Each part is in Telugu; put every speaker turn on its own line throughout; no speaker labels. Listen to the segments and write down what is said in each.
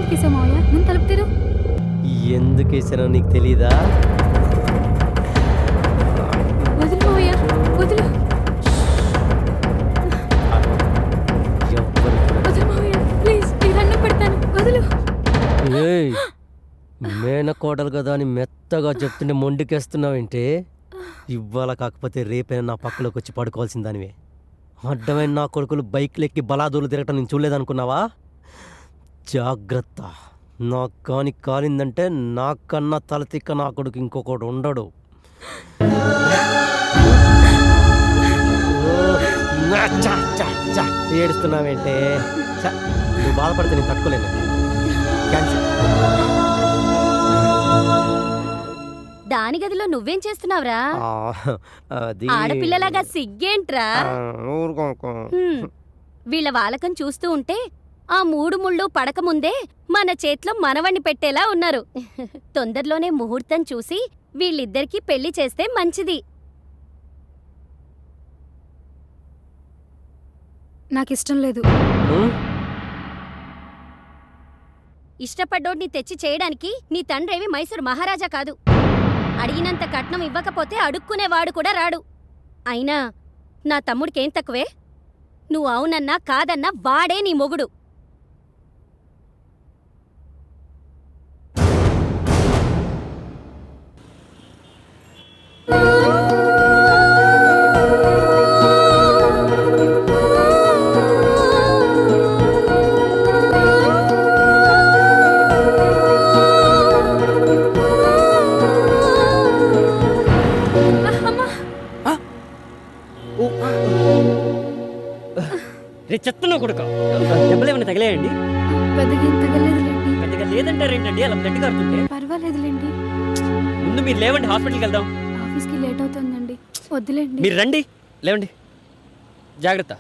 ఎందుకేసావు మావయ్య? ముందు తలుపు తెరు.
ఎందుకు వేసానో నీకు తెలీదా?
వదులు మావయ్య, వదులు. వదులు మావయ్య, ప్లీజ్ నీ దండం పెడతాను, వదులు.
ఏయ్, మేనకోడలు కదా అని మెత్తగా చెప్తుంటే మొండికేస్తున్నావేంటి? ఇవాళ కాకపోతే రేపైనా నా పక్కలోకి వచ్చి పడుకోవాల్సిన దానివే. అడ్డమైన నా కొడుకులు బైక్లెక్కి బలాదూలు తిరగటం నేను చూడలేదనుకున్నావా? జాగ్రత్త, నాకు కాని కాలిందంటే నాకన్నా తలతిక్క నా కొడుకు ఇంకొకడు ఉండడు. ఏడుస్తున్నావేంటే? నువ్వు బాధపడితే నేను తట్టుకోలేను. క్యాన్సిల్.
దాని గదిలో నువ్వేం చేస్తున్నావురా?
అది
ఆడపిల్లలాగా సిగ్గేంట్రా? వీళ్ళ వాలకం చూస్తూ ఉంటే ఆ 3 ముళ్ళు పడక ముందే మన చేతిలో మనవణ్ణి పెట్టేలా ఉన్నారు. తొందరలోనే ముహూర్తం చూసి వీళ్ళిద్దరికీ పెళ్లి చేస్తే మంచిది.
నాకిష్టం లేదు.
ఇష్టపడ్డోడిని తెచ్చి చేయడానికి నీ తండ్రేవి మైసూరు మహారాజా కాదు. అడిగినంత కట్నం ఇవ్వకపోతే అడుక్కునేవాడు కూడా రాడు. అయినా నా తమ్ముడికేం తక్కువే? నువ్వు అవునన్నా కాదన్నా వాడే నీ మొగుడు.
రే చెత్తను కొడుక, దెబ్బలు ఏమైనా తగిలేయండి?
పెద్దగా ఏం తగలేదులేండి.
పెద్దగా లేదంటారేంటండి అలా బ్లడ్ కారుతుంటే?
పర్వాలేదులేండి.
ముందు మీరు లేవండి, హాస్పిటల్కి వెళ్దాం.
ఆఫీస్కి లేట్ అవుతుందండి, వద్దులేండి.
మీరు రండి, లేవండి. జాగ్రత్త.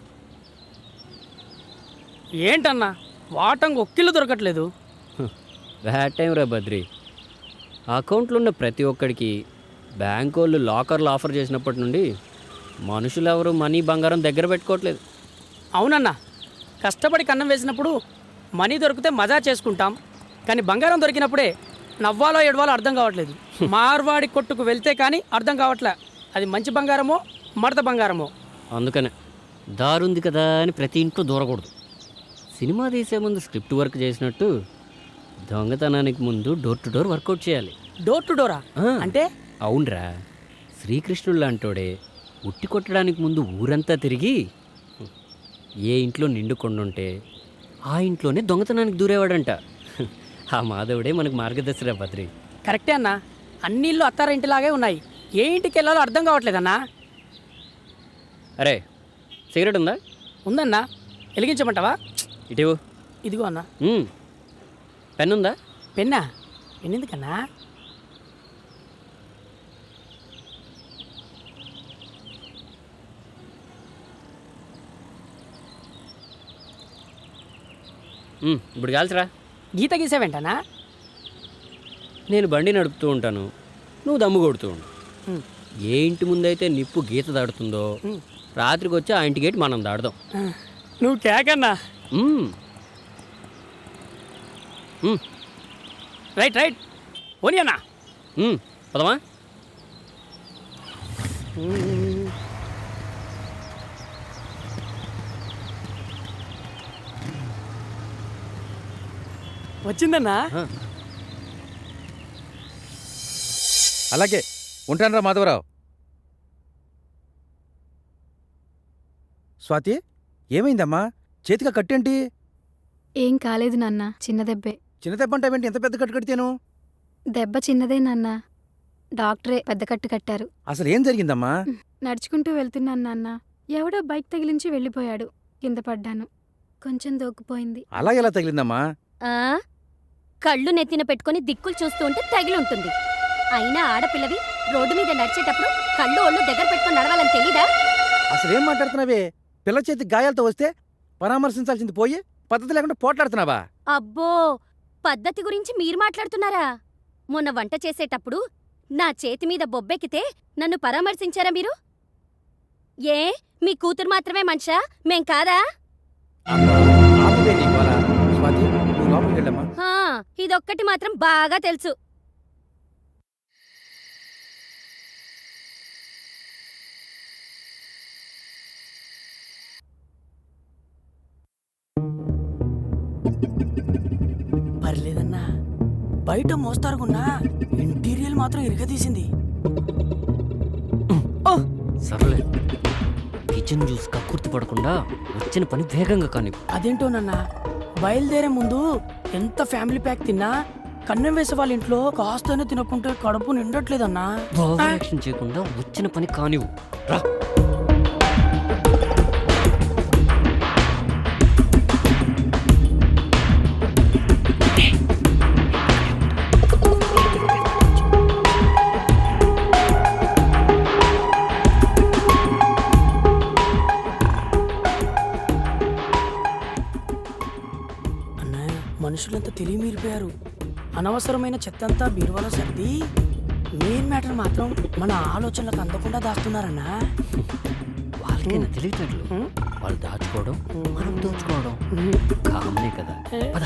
ఏంటన్నా వాటంగా ఒక్కిళ్ళు దొరకట్లేదు?
బ్యాడ్ టైం రా బద్రి. అకౌంట్లో ఉన్న ప్రతి ఒక్కడికి బ్యాంక్ వాళ్ళు లాకర్లు ఆఫర్ చేసినప్పటి నుండి మనుషులు ఎవరు మనీ బంగారం దగ్గర పెట్టుకోవట్లేదు.
అవునన్నా, కష్టపడి కన్నం వేసినప్పుడు మనీ దొరికితే మజా చేసుకుంటాం, కానీ బంగారం దొరికినప్పుడే నవ్వాలో ఏడవాలో అర్థం కావట్లేదు. మార్వాడి కొట్టుకు వెళ్తే కానీ అర్థం కావట్లే అది మంచి బంగారమో మడత బంగారమో.
అందుకనే దారుంది కదా అని ప్రతి ఇంట్లో దూరకూడదు. సినిమా తీసే ముందు స్క్రిప్ట్ వర్క్ చేసినట్టు దొంగతనానికి ముందు డోర్ టు డోర్ వర్కౌట్ చేయాలి.
డోర్ టు డోరా అంటే?
అవునరా, శ్రీకృష్ణుడు లాంటోడే ఉట్టి కొట్టడానికి ముందు ఊరంతా తిరిగి ఏ ఇంట్లో నిండు కొండుంటే ఆ ఇంట్లోనే దొంగతనానికి దూరేవాడంట. ఆ మాధవుడే మనకు మార్గదర్శిరా బద్రి.
కరెక్టే అన్నా, అన్ని ఇల్లు అత్తారింటిలాగే ఉన్నాయి, ఏ ఇంటికి వెళ్ళాలో అర్థం కావట్లేదన్నా.
అరే సిగరెట్ ఉందా?
ఉందన్నా, వెలిగించమంటావా?
ఇటీవు.
ఇదిగో అన్నా.
పెన్ ఉందా?
పెన్నా? పెన్నెందుకన్నా?
ఇప్పుడు కాల్చరా.
గీత గీసావేంటనా?
నేను బండి నడుపుతూ ఉంటాను, నువ్వు దమ్ము కొడుతూ ఉండు. ఏ ఇంటి ముందైతే నిప్పు గీత దాడుతుందో రాత్రికి వచ్చి ఆ ఇంటి గేట్ మనం దాడదాం.
నువ్వు కేకన్నా. రైట్ రైట్ ఓని అన్నా.
పదమా.
వచ్చిందన్నా.
అలాగే ఉంటానరా మాధవరావు. స్వాతి, ఏమైందమ్మా? చేతిగా కట్టేంటి?
ఏం కాలేదు నాన్న, చిన్న దెబ్బే.
చిన్న దెబ్బ అంటావేంటి? ఎంత పెద్ద కట్టు కడితేను?
దెబ్బ చిన్నదే నాన్న, డాక్టరే పెద్ద కట్టు కట్టారు.
అసలు ఏం జరిగిందమ్మా?
నడుచుకుంటూ వెళ్తున్నాను నాన్న, ఎవడో బైక్ తగిలించి వెళ్ళిపోయాడు. కింద పడ్డాను, కొంచెం దోక్కుపోయింది.
అలా ఎలా తగిలిందమ్మా?
కళ్ళు నెత్తిన పెట్టుకుని దిక్కులు చూస్తూ ఉంటే తగిలుంటుంది. అయినా ఆడపిల్లవి రోడ్డు మీద నడిచేటప్పుడు కళ్ళు ఒళ్ళు దగ్గర పెట్టుకుని నడవాలని తెలీదా?
అసలేం మాట్లాడుతున్నావే? పిల్ల చేతి గాయాలతో వస్తే పరామర్శించాల్సింది పోయి పద్ధతి లేకుండా పోట్లాడుతున్నావా?
అబ్బో, పద్ధతి గురించి మీరు మాట్లాడుతున్నారా? మొన్న వంట చేసేటప్పుడు నా చేతి మీద బొబ్బెక్కితే నన్ను పరామర్శించారా మీరు? ఏ మీ కూతురు మాత్రమే మనిషా, మేం కాదా?
స్వాతి, నువ్వు లోపలికి వెళ్ళమ్మా.
ఇదొక్కటి మాత్రం బాగా తెలుసు.
పర్లేదన్నా, బయట మోస్తారుకున్నా ఇంటీరియల్ మాత్రం ఇరగదీసింది.
సర్లే, కిచెన్ జ్యూస్ కక్కుర్తి పడకుండా వచ్చిన పని వేగంగా కాని.
అదేంటోనన్నా, బయలుదేరే ముందు ఎంత ఫ్యామిలీ ప్యాక్ తిన్నా కన్నం వేసే వాళ్ళ ఇంట్లో కాస్తనే తినకుంటే కడుపు నిండట్లేదన్నా.
ఓవర్ యాక్షన్ చేయకుండా వచ్చిన పని కానివు. రా.
అన్నయ్య, మనుషులంతా తెలివి మీరిపోయారు. అనవసరమైన చెత్తంతా బీరువాలో సర్ది మెయిన్ మ్యాటర్ మాత్రం మన ఆలోచనలకు అందకుండా దాస్తున్నారన్నా.
వాళ్ళకైనా తెలియట్లేదు. వాళ్ళు దాచుకోవడం, మనం దోచుకోవడం కామనే కదా. పద.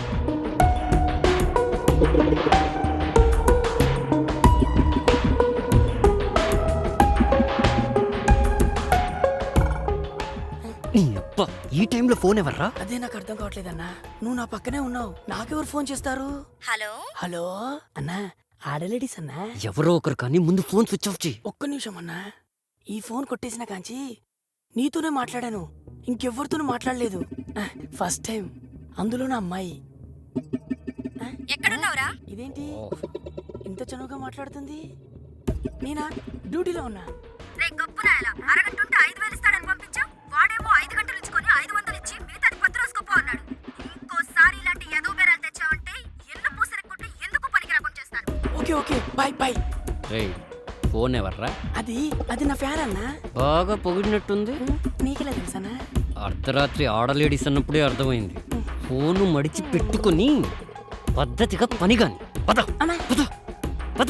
నీ అబ్బా, ఈ టైంలో ఫోన్ ఎవర్రా?
అదే నాకు అర్థం కావట్లేదన్నా. నువ్వు నా పక్కనే ఉన్నావు, నాకెవరు ఫోన్ చేస్తారు?
హలో
హలో అన్నా, ఆడలేడీస్ అన్నా.
ఎవరో ఒకరు కానీ ముందు ఫోన్ స్విచ్ ఆఫ్ చేయి.
ఒక్క నిమిషం అన్నా. ఈ ఫోన్ కొట్టేసిన కాంచి నీతోనే మాట్లాడాను, ఇంకెవ్వరితోనూ మాట్లాడలేదు. ఫస్ట్ టైం, అందులో నా అమ్మాయి.
ఎక్కడున్నావురా?
ఇదేంటి ఇంత చనువుగా మాట్లాడుతుంది? నేనా డ్యూటీలో ఉన్నా.
రే గొప్పనాయలా, అరగంటుంటే 5,000 ఇస్తాడని పంపించావు. వాడేమో 5 గంటలు ఇచ్చుకొని 500 ఇచ్చి మిగతాది 10 రోజుకోపో అన్నాడు. ఇంకోసారి ఇలాంటి ఎదో బేరాలు తెచ్చావంటే ఎల్లు పూసరెక్కుంటే ఎందుకు పనికి రాకుండా చేస్తాను.
Okay okay, bye bye.
రేయ్, ఫోన్ ఎవర్రా?
అది నా ఫ్యాన్ అన్నా.
బాగా పొగిడినట్టుంది.
నీకెలా తెలుసానా?
అర్ధరాత్రి ఆడలేడీస్ అన్నప్పుడే అర్థమైంది. ఫోను మడిచి పెట్టుకుని పద్ధతిగా పని కాని. పద
అన్నా.
పద పద.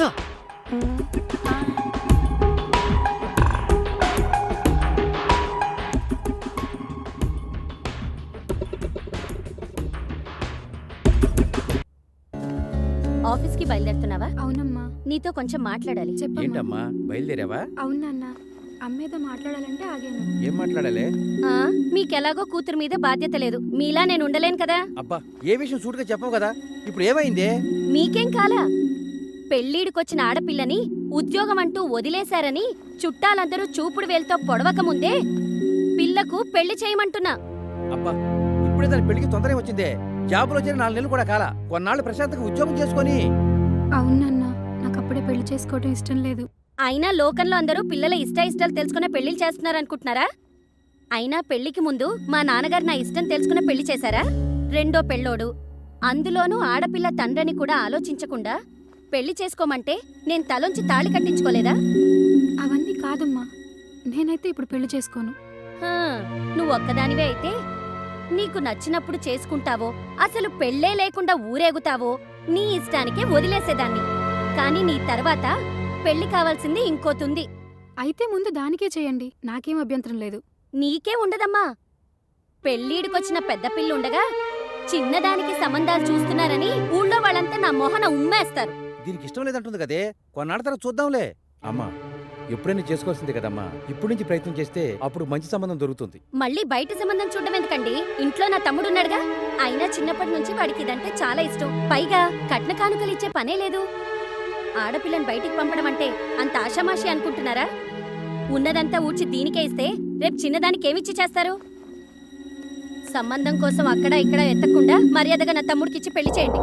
ఆఫీస్కి బయలుదేరుతున్నావా?
అవునమ్మా.
నీతో కొంచెం మాట్లాడాలి.
చెప్పమ్మా.
ఏంటమ్మా బయలుదేరావా?
అవును నాన్న, అమ్మేదో మాట్లాడాలంటే ఆగాను.
ఏం మాట్లాడాలి?
ఆ, మీకెలాగో కూతురు మీద బాధ్యత లేదు. మీలా నేను ఉండలేను కదా.
అబ్బా, ఏ విషయం సూటుగా చెప్పవు కదా. ఇప్పుడు ఏమైంది?
మీకేం కాలా? పెళ్ళీడికొచ్చిన ఆడపిల్లని ఉద్యోగం అంటూ వదిలేశారని చుట్టాలందరూ చూపుడు వేలుతో పొడవక ముందే పిల్లకు పెళ్లి చేయమంటున్నా.
అబ్బా, ఇప్పుడే దాని పెళ్లికి తొందరగా వచ్చిందే. జాబులో చేరి 4 నెలలు కూడా కాలా. కొన్నాళ్ళు ప్రశాంతంగా ఉద్యోగం చేసుకొని.
అవును నాన్న, నాకు అప్పుడే పెళ్లి చేసుకోవడం ఇష్టం లేదు.
అయినా లోకంలో అందరూ పిల్లల ఇష్టాలు తెలుసుకునే పెళ్లిళ్ళు చేస్తున్నారనుకుంటున్నారా? అయినా పెళ్లికి ముందు మా నాన్నగారు నా ఇష్టం తెలుసుకునే పెళ్లి చేశారా? రెండో పెళ్ళోడు, అందులోనూ ఆడపిల్ల తండ్రిని కూడా ఆలోచించకుండా పెళ్లి చేసుకోమంటే నేను తలొంచి తాళి కట్టించుకోలేదా?
అవన్నీ కాదమ్మా, నేనైతే ఇప్పుడు పెళ్లి చేసుకోను.
హా, నువ్వు ఒక్కదానివే అయితే నీకు నచ్చినప్పుడు చేసుకుంటావో, అసలు పెళ్ళే లేకుండా ఊరేగుతావో నీ ఇష్టానికే వదిలేసేదాన్ని. కాని నీ తర్వాత పెళ్లి కావాల్సింది ఇంకోతుంది.
అయితే ముందు దానికే చేయండి, నాకేం అభ్యంతరం లేదు.
నీకే ఉండదమ్మా. పెళ్ళీడికొచ్చిన పెద్ద పిల్లుండగా చిన్నదానికి సంబంధాలు చూస్తున్నారని ఊళ్ళో వాళ్ళంతా నా మొహన ఉమ్మేస్తారు.
దీనికి ఇష్టం లేదంటుంది కదే. కొన్నాళ్ళ తర్వాత చూద్దాంలే. అమ్మా, ఎప్పుడైనా చేసుకోవాల్సిందే కదమ్మా. ఇప్పుడు నుంచి ప్రయత్నం చేస్తే అప్పుడు మంచి సంబంధం దొరుకుతుంది.
మళ్ళీ బయట సంబంధం చూడడం ఎందుకండి? ఇంట్లో నా తమ్ముడున్నాడుగా. అయినా చిన్నప్పటి నుంచి వాడికి ఇదంటే చాలా ఇష్టం. పైగా కట్న కానుకలు ఇచ్చే పనే లేదు. ఆడపిల్లని బయటికి పంపడం అంటే అంత ఆషామాషి అనుకుంటున్నారా? ఉన్నదంతా ఊడ్చి దీనికే ఇస్తే రేపు చిన్నదానికి ఏమిచ్చి చేస్తారు? సంబంధం కోసం అక్కడ ఇక్కడ ఎత్తకుండా మర్యాదగా నా తమ్ముడికిచ్చి పెళ్లి చేయండి.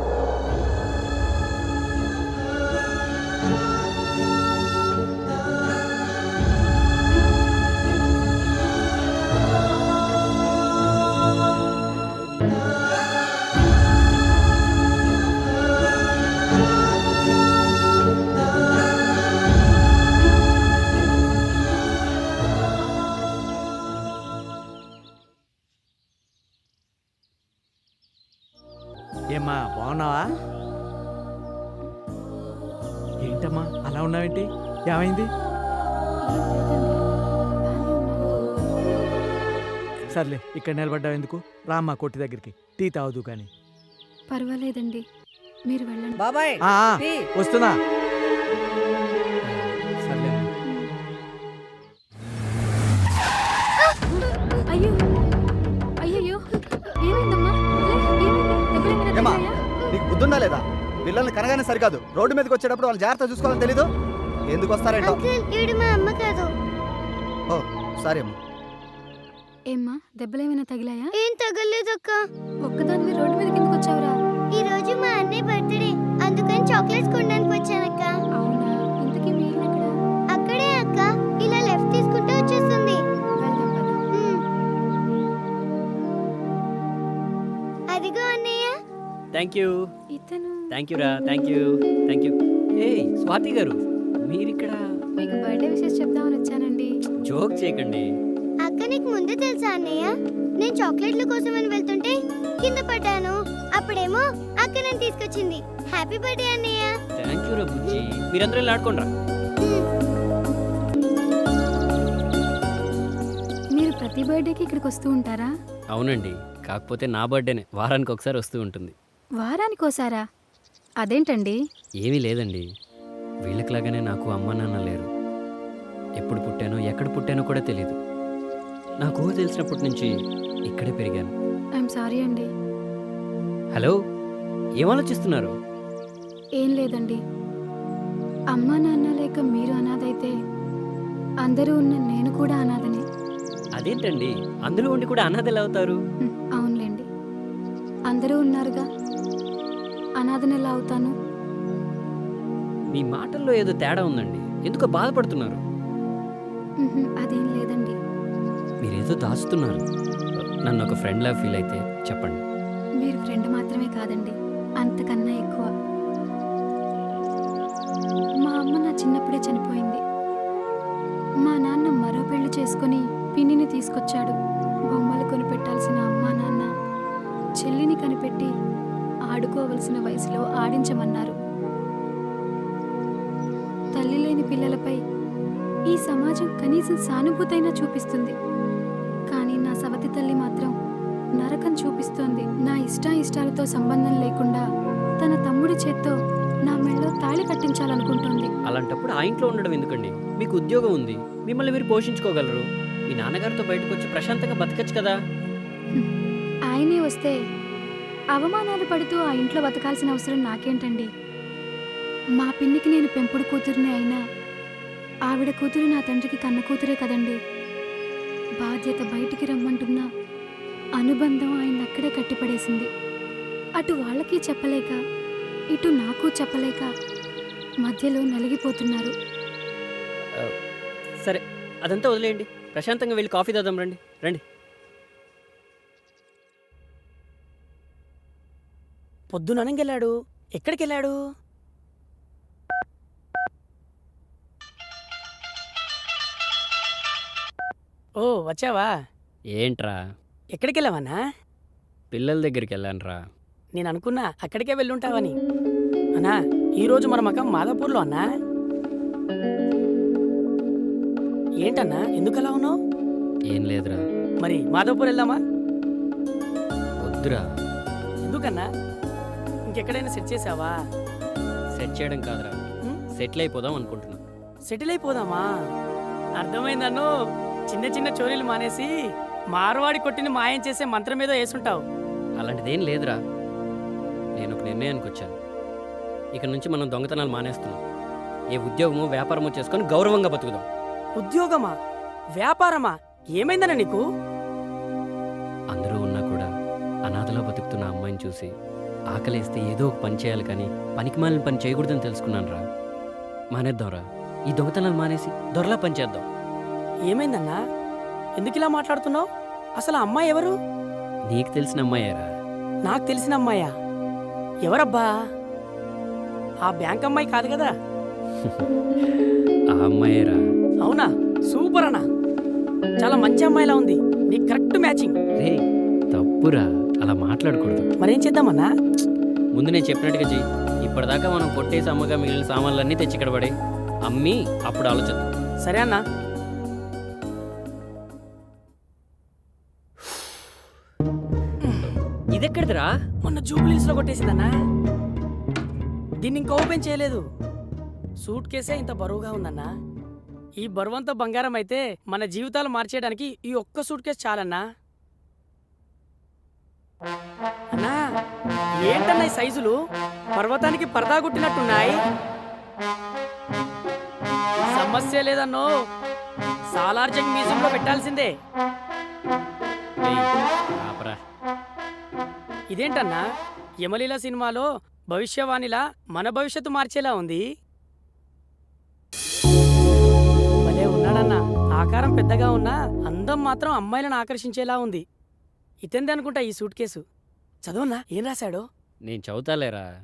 ఏమ్మా, బాగున్నావా? ఏంటమ్మా అలా ఉన్నావేంటి? ఏమైంది? సర్లే, ఇక్కడ నిలబడ్డావు ఎందుకు? రామ్మా కొట్టి దగ్గరికి, టీ తాగుదు కానీ.
పర్వాలేదండి, మీరు వెళ్ళండి.
బాబాయ్
ఆ, ఆ,
టీ.
వస్తున్నా.
సర్లే
అయ్యో అయ్యయ్యో ఏమైందమ్మా? ఏమైంది? దెబ్బలేమైనా
ఏమ్మా?
తగిలాయా?
నీకు బుద్ధుందా లేదా? పిల్లల్ని కనగానే సరికాదు, రోడ్డు మీదకి వచ్చేటప్పుడు వాళ్ళు జాగ్రత్త చూసుకోవాలని తెలీదు. ఎందుకు వస్తారేంటో.
మా అమ్మ కాదు.
ఓ సారీ అమ్మా.
ఏమ్మా దెబ్బలేమైనా తగిలాయా?
ఏం తగలేదక్క.
ఒక్కదానివి రోడ్డు మీద కిందకు వచ్చావురా?
ఈ రోజు మా అన్నయ్య బర్త్డే, అందుకని చాక్లెట్స్ కొనడానికి వచ్చానక్క.
అవునా? ఇంతకీ మీ ఇల్లు ఎక్కడ?
అక్కడే అక్క, ఇలా లెఫ్ట్ తీసుకుంటే వచ్చేస్తుంది.
వెళ్దాం పద.
అదిగో అన్నయ్య.
థ్యాంక్ యూ
ఇతను
థ్యాంక్ యూ రా. Thank you thank you. ఏ స్వాతి గారు మీరిక్కడ
మీకు బర్త్డే విషెస్ చెప్దామని వచ్చానండి.
జోక్ చేయకండి.
అక్క నీకు ముందే తెలుసా అన్నయ్య? నేను చాక్లెట్ల కోసం అని వెళ్తుంటే కింద పడ్డాను. అప్పుడేమో అక్క నన్ను తీసుకొచ్చింది. హ్యాపీ బర్త్డే అన్నయ్య.
థ్యాంక్ యూ రా బుజ్జి. మీరందరూ ఇలా ఆడుకోండి రా.
మీరు ప్రతి బర్త్డేకి ఇక్కడికి వస్తూ ఉంటారా?
అవునండి, కాకపోతే నా బర్త్డేనే వారానికి ఒకసారి వస్తూ ఉంటుంది.
వారానికోసారా? అదేంటండి?
ఏమీ లేదండి, వీళ్ళకిలాగానే నాకు అమ్మ నాన్న లేరు. ఎప్పుడు పుట్టానో ఎక్కడ పుట్టానో కూడా తెలీదు. నాకు ఊహ తెలిసినప్పటి నుంచి ఇక్కడే పెరిగాను.
ఐఎమ్ సారీ అండి.
హలో, ఏం ఆలోచిస్తున్నారు?
ఏం లేదండి. అమ్మా నాన్న లేక మీరు అనాథైతే అందరూ ఉన్న నేను కూడా అనాథనే.
అదేంటండి, అందరూ ఉండి కూడా అనాథలు అవుతారు?
అవునులేండి, అందరూ ఉన్నారుగా, అనాథని ఎలా అవుతాను?
మీ మాటల్లో ఏదో తేడా ఉందండి. ఎందుకో బాధపడుతున్నారు.
అదేం లేదండి.
మీరేదో దాచుతున్నారు. నన్ను ఒక ఫ్రెండ్లా ఫీల్ అయితే చెప్పండి.
మీరు ఫ్రెండ్ మాత్రమే కాదండి, అంతకన్నా ఎక్కువ. మా అమ్మ నా చిన్నప్పుడే చనిపోయింది. మా నాన్న మరో పెళ్లి చేసుకుని పిన్నిని తీసుకొచ్చాడు. బొమ్మలు కొనిపెట్టాల్సిన అమ్మా నాన్న చెల్లిని కనిపెట్టి ఆడుకోవలసిన వయసులో ఆడించమన్నారు. తల్లి లేని పిల్లలపై ఈ సమాజం కనీసం సానుభూతైనా చూపిస్తుంది, కానీ నా సవతి తల్లి మాత్రం నరకం చూపిస్తోంది. నా ఇష్టాయిష్టాలతో సంబంధం లేకుండా తన తమ్ముడి చేత్తో నా మెళ్ళో తాళి కట్టించాలనుకుంటోంది.
అలాంటప్పుడు ఆ ఇంట్లో ఉండడం ఎందుకండి? మీకు ఉద్యోగం ఉంది, మిమ్మల్ని మీరు పోషించుకోగలరు. మీ నాన్నగారితో బయటకు వచ్చి ప్రశాంతంగా బతకచ్చు కదా.
ఆయనే వస్తే అవమానాలు పడుతూ ఆ ఇంట్లో బతకాల్సిన అవసరం నాకేంటండి? మా పిన్నికి నేను పెంపుడు కూతురిని అయినా ఆవిడ కూతురు నా తండ్రికి కన్న కూతురే కదండి. బాధ్యత బయటికి రమ్మంటున్నా అనుబంధం ఆయన అక్కడే కట్టిపడేసింది. అటు వాళ్ళకి చెప్పలేక ఇటు నాకు చెప్పలేక మధ్యలో నలిగిపోతున్నారు.
సరే, అదంతా వదిలేయండి. ప్రశాంతంగా వెళ్ళి కాఫీ తాదాం. రండి రండి.
పొద్దుననగెళ్ళాడు. ఎక్కడికి వెళ్ళాడు? ఓ వచ్చావా?
ఏంట్రా?
ఎక్కడికి వెళ్ళావన్నా?
పిల్లల దగ్గరికి వెళ్ళానురా.
నేను అనుకున్నా అక్కడికే వెళ్ళుంటావని. అన్నా, ఈరోజు మన మకం మాదాపూర్లో అన్నా. ఏంటన్నా, ఎందుకు అలా ఉన్నావు?
ఏం లేదురా.
మరి మాదాపూర్ వెళ్దామా?
వద్దురా.
ఎందుకన్నా? ఇంకెక్కడైనా సెట్ చేసావా?
సెట్ చేయడం కాదురా, సెటిల్ అయిపోదాం అనుకుంటున్నా.
సెటిల్ అయిపోదామా? అర్థమైందన్ను. చిన్న చిన్న చోరీలు మానేసి మార్వాడి కొట్టిని మాయం చేసే మంత్రం ఏదో వేసుంటావు.
అలాంటిదేం లేదురా. నేను ఒక నిర్ణయానికి వచ్చాను. ఇక నుంచి మనం దొంగతనాలు మానేస్తున్నాం. ఏ ఉద్యోగమో వ్యాపారమో చేసుకొని గౌరవంగా బతుకుదాం.
ఉద్యోగమా? వ్యాపారమా? ఏమైందన్నా నీకు?
అందరూ ఉన్నా కూడా అనాథలో బతుకుతున్న అమ్మాయిని చూసి ఆకలేస్తే ఏదో ఒక పని చేయాలి, కానీ పనికిమాలిన పని చేయకూడదని తెలుసుకున్నాను రా. మానేద్దాంరా. ఈ దొంగతనాలు మానేసి దొరలా పని చేద్దాం.
ఏమైందన్నా? ఎందుకు ఇలా మాట్లాడుతున్నావు? అసలు ఆ అమ్మాయి ఎవరు?
నీకు తెలిసిన అమ్మాయేరా.
నాకు తెలిసిన అమ్మాయా? ఎవరబ్బా? ఆ బ్యాంక్ అమ్మాయి కాదు కదా?
ఆ అమ్మాయేరా.
అవునా? సూపర్ అన్నా, చాలా మంచి అమ్మాయిలా ఉంది. నీకు కరెక్ట్ మ్యాచింగ్.
రే తప్పురా, అలా మాట్లాడకూడదు.
మరేం చేద్దామన్నా?
ముందు నేను చెప్పినట్టుగా చెయ్యి. ఇప్పటిదాకా మనం కొట్టేసి అమ్మగా మిగిలిన సామాన్లన్నీ తెచ్చి ఇక్కడ పడే అమ్మి అప్పుడు ఆలోచిద్దాం.
సరే అన్నా.
ఇదెక్కడిదిరా?
మొన్న జూబ్లీస్ లో కొట్టేసిందన్నా. దీన్ని ఇంకా ఓపెన్ చేయలేదు. సూట్ కేసే ఇంత బరువుగా ఉందన్నా. ఈ బరువంతా బంగారం అయితే మన జీవితాలు మార్చేయడానికి ఈ ఒక్క సూట్ కేసు చాలన్నా. అన్నా ఏంటన్నా ఈ సైజులు పర్వతానికి పరదా గుట్టినట్టున్నాయి. సమస్య లేదన్నో, సాలార్జంగ్ మ్యూజియంలో పెట్టాల్సిందే.
ఏయ్, ఆపరా.
ఇదేంటన్నా యమలీల సినిమాలో భవిష్యవాణిలా మన భవిష్యత్తు మార్చేలా ఉంది. భలే ఉన్నాడన్నా. ఆకారం పెద్దగా ఉన్నా అందం మాత్రం అమ్మాయిలను ఆకర్షించేలా ఉంది. ఇతంది అనుకుంటా ఈ సూట్ కేసు. చదవన్నా ఏం రాశాడో.
నేను చదువుతాలేరా.